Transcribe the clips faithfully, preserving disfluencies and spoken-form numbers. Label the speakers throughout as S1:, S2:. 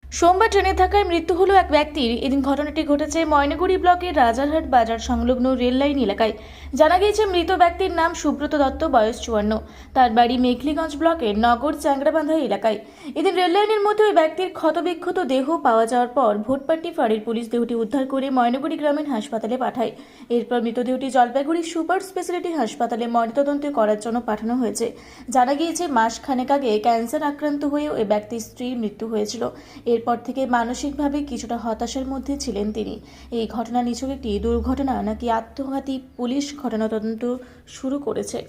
S1: সোমবার ট্রেনে থাকায় মৃত্যু হলো এক ব্যক্তির। এদিন ঘটনাটি ঘটেছে ময়নাগুড়ি ব্লকের রাজারহাট বাজার সংলগ্ন রেল লাইন এলাকায়। জানা গিয়েছে মৃত ব্যক্তির নাম সুব্রত দত্ত, বয়স চুয়ান্ন। তার বাড়ি মেঘলিগঞ্জ ব্লকের নগর চ্যাংড়াবান্ধা এলাকায়। এদিন রেল লাইনের মধ্যে ওই ব্যক্তির ক্ষতবিক্ষত দেহ পাওয়া যাওয়ার পর ভোটপাট্টি ফাঁড়ির পুলিশ দেহটি উদ্ধার করে ময়নাগুড়ি গ্রামীণ হাসপাতালে পাঠায়। এরপর মৃতদেহটি জলপাইগুড়ি সুপার স্পেশালিটি হাসপাতালে ময়নাতদন্ত করার জন্য পাঠানো হয়েছে। জানা গিয়েছে মাস খানেক আগে ক্যান্সার আক্রান্ত হয়ে ওই ব্যক্তির স্ত্রীর মৃত্যু হয়েছিল। এরপর থেকে মানসিকভাবে কিছুটা হতাশার মধ্যে ছিলেন তিনি। এই ঘটনা নিছক একটি দুর্ঘটনা নাকি আত্মঘাতী, পুলিশ ঘটনা তদন্ত শুরু করেছে।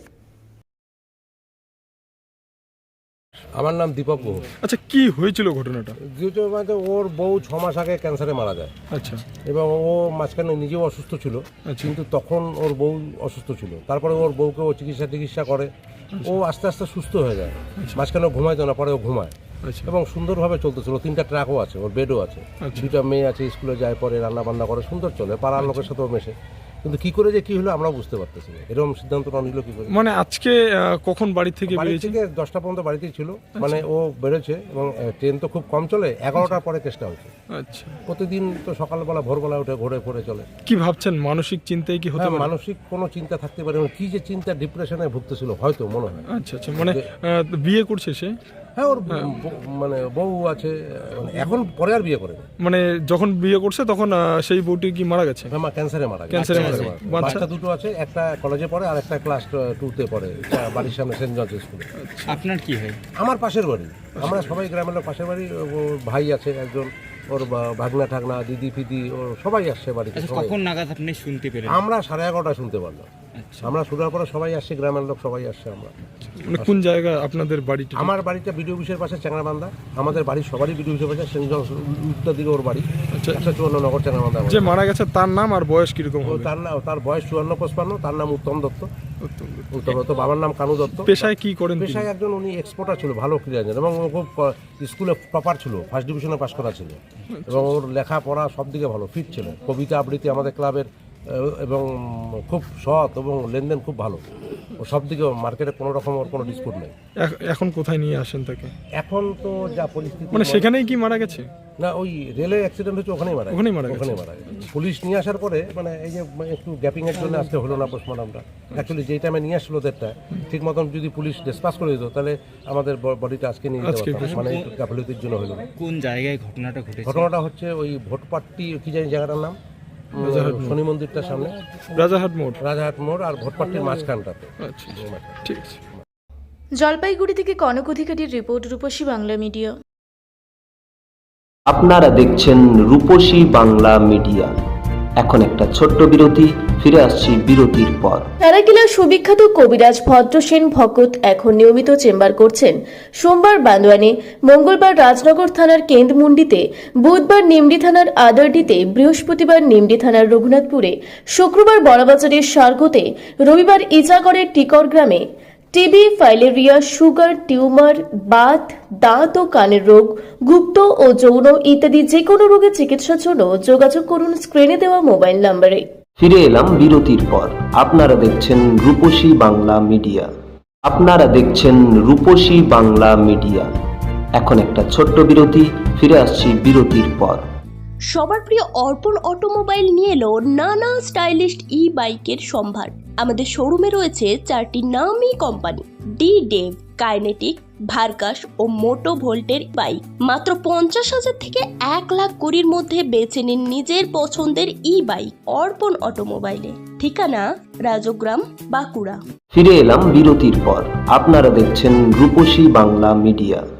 S2: আমার নাম দীপক গুহ।
S3: আচ্ছা, কি হয়েছিল ঘটনাটা?
S2: দ্বিতীয় মানে ওর বউ ছ মাস আগে ক্যান্সারে মারা যায়।
S3: আচ্ছা।
S2: এবং ও মাঝখানে নিজেও অসুস্থ ছিল,
S3: আচ্ছা।
S2: কিন্তু তখন ওর বউ অসুস্থ ছিল। তারপরে ওর বউকে ও চিকিৎসা টিকিৎসা করে, ও আস্তে আস্তে সুস্থ হয়ে যায়। মাঝখানে ও ঘুমাইতো না, পরে ও ঘুমায়।
S3: আচ্ছা।
S2: এবং সুন্দরভাবে চলতেছিল। তিনটা ট্রাকও আছে, ওর বেডও আছে, দুইটা মেয়ে আছে, স্কুলে যায়, পরে রান্না বান্না করে, সুন্দর চলে, পাড়ার লোকের সাথেও মেশে। কিন্তু কি করে যে কি হলো আমরা বুঝতে পারতেছি না। এরকম সিদ্ধান্তটা নিল কি করে?
S3: মানে আজকে আহ, কখন বাড়ি থেকে
S2: বাড়ি
S3: বেরিয়েছে?
S2: থেকে দশটা পর্যন্ত বাড়িতেই ছিল। মানে ও বেরোচ্ছে এবং ট্রেন তো খুব কম চলে, এগারোটার পরে চেষ্টা হয়েছে।
S3: আচ্ছা।
S2: প্রতিদিন তো সকালবেলা ভোরবেলা উঠে ঘুরে ঘুরে চলে।
S3: কি ভাবছেন, মানসিক চিন্তায় কি হতে
S2: হ্যাঁ,
S3: পারে?
S2: মানসিক কোনো চিন্তা থাকতে পারে, কি যে চিন্তা, ডিপ্রেশনে ভুগতেছিল হয়তো, মনে হয়।
S3: আচ্ছা আচ্ছা, মানে আহ, বিয়ে করছে সে?
S2: হ্যাঁ, ওর বউ- মানে বউ আছে, মানে এখন পরে আর বিয়ে করে না।
S3: মানে যখন বিয়ে করছে তখন আহ, সেই বউটি কি মারা গেছে?
S2: হ্যাঁ, মা ক্যান্সারে মারা গেছে।
S3: ক্যান্সারে মারা গেছে। বাচ্চা?
S2: বাচ্চা দুটো আছে, একটা কলেজে পড়ে আর একটা ক্লাস টুতে পড়ে, বাড়ির সামনে সেন্ট জর্জ স্কুলে।
S4: আপনার কি হয়?
S2: আমার পাশের বাড়ি, আমরা সবাই গ্রামের লোক, পাশের বাড়ি। ওর ভাই আছে একজন, ওর বা- ভাগনা ঠাগনা, দিদি ফিদি, ওর সবাই আসছে বাড়িতে।
S4: আচ্ছা,
S2: সবাই।
S4: কখন নাগাদ আপনি শুনতে পেলেন?
S2: আমরা সাড়ে এগারোটা শুনতে পারলাম।
S4: আচ্ছা।
S2: আমরা শোনার পরে সবাই আসছে, গ্রামের লোক সবাই আসছে। আমরা
S3: মানে কোন জায়গা আপনাদের বাড়িটা?
S2: আমার বাড়িটা বিডিও অফিসের পাশে চ্যাংড়াবান্ধা। আমাদের বাড়ি সবারই বিডিও অফিসের পাশে, সেন্ট জর্জ উত্তর দিকে ওর বাড়ি।
S3: আচ্ছা।
S2: একশো চুয়ান্ন নগর চ্যাংড়াবান্ধা।
S3: যে মারা গেছে তার নাম আর বয়স কিরকম
S2: ও
S3: হবে?
S2: তার নাম, তার বয়স চুয়ান্ন পঁচপান্ন। তার নাম উত্তম দত্ত।
S3: উত্তম দত্ত।
S2: উত্তম দত্ত, বাবার নাম কানু দত্ত।
S3: পেশায় কি করেন তিনি?
S2: পেশায় একজন উনি এক্সপোর্টার ছিল, ভালো ক্রীড়া জানেন, এবং ও খুব আহ, স্কুলে টপার ছিল, ফার্স্ট ডিভিশনে পাশ করা ছিল। এবং ওর লেখাপড়া সব দিকে ভালো, ফিট ছিল। কবিতা আবৃত্তি আমাদের ক্লাবের, আহ, এবং খুব সৎ এবং লেনদেন খুব ভালো। ও সব দিকে মার্কেটে কোনো রকম ওর কোনো ডিসপুট নেই।
S3: এখ- এখন কোথায় নিয়ে আসেন তাকে?
S2: এখন তো যা পরিস্থিতি,
S3: মানে সেখানেই কি মারা গেছে?
S2: না, ওই রেলে অ্যাক্সিডেন্ট হচ্ছে, ওখানেই মারা গেছে।
S3: ওখানেই মারা গেছে।
S2: ওখানেই মারা গেছে। পুলিশ নিয়ে আসার পরে, মানে এই যে একটু গ্যাপিং এর জন্য আজকে হলো না পোস্টমর্টমটা। অ্যাকচুয়ালি যেই টাইমে নিয়ে আসলো দেড়টা, ঠিক মতন যদি পুলিশ ডিসপাস করে দিত, তাহলে আমাদের বডিটা আজকে নিয়ে যেতে
S3: আজকে
S2: পারতাম। মানে একটু গাফিলতির জন্য হলো না।
S4: কোন জায়গায় ঘটনাটা ঘটেছে?
S2: ঘটনাটা হচ্ছে ওই ভোটপাট্টি, কি জানি জায়গাটার নাম, শনি মন্দিরটার সামনে,
S3: রাজারহাট মোড়।
S2: রাজাহাট মোড় আর ভোটপাট্টির মাঝখানটাতে।
S3: আচ্ছা, ঠিক আছে।
S1: জলপাইগুড়ি থেকে কনক অধিকারীর রিপোর্ট, রূপসী বাংলা মিডিয়া।
S5: আপনারা দেখছেন রূপসী বাংলা মিডিয়া। এখন একটা ছোট্ট বিরতি, ফিরে আসছি বিরতির পর।
S1: সারাকিলার সুবিখ্যাত কবিরাজ ভদ্রসেন ভকত এখন নিয়মিত চেম্বার করছেন সোমবার বান্দোয়ানে, মঙ্গলবার রাজনগর থানার কেন্দ্রমুন্ডিতে, বুধবার নিমডি থানার আদারডিতে, বৃহস্পতিবার নিমডি থানার রঘুনাথপুরে, শুক্রবার বড়বাজারের সার্গতে, রবিবার ইচাগড়ের টিকর গ্রামে। টিবি, ফাইলেরিয়া, সুগার, টিউমার, বাত, দাঁত ও কানের রোগ, গুপ্ত ও যৌন ইত্যাদি যে কোনো রোগের চিকিৎসার জন্য যোগাযোগ করুন স্ক্রিনে দেওয়া মোবাইল নম্বরে।
S5: ফিরে এলাম বিরতির পর। আপনারা দেখছেন রূপসী বাংলা মিডিয়া। আপনারা দেখছেন রূপসী বাংলা মিডিয়া। এখন একটা ছোট্ট বিরতি, ফিরে আসছি বিরতির পর।
S6: সবার প্রিয় অর্পণ অটোমোবাইল নিয়ে এলো নানা স্টাইলিশ ই বাইকের সম্ভার। আমাদের শোরুমে রয়েছে চারটি নামি কোম্পানি, ডি ডেভ, কাইনেটিক, ভার্কাস ও মোটো ভোল্টের বাইক। মাত্র পঞ্চাশ হাজার থেকে এক লাখ কুড়ির মধ্যে বেছে নিন নিজের পছন্দের ই বাইক অর্পণ অটোমোবাইলে। ঠিকানা রাজগ্রাম, বাঁকুড়া।
S5: ফিরে এলাম বিরতির পর। আপনারা দেখছেন রূপসী বাংলা মিডিয়া।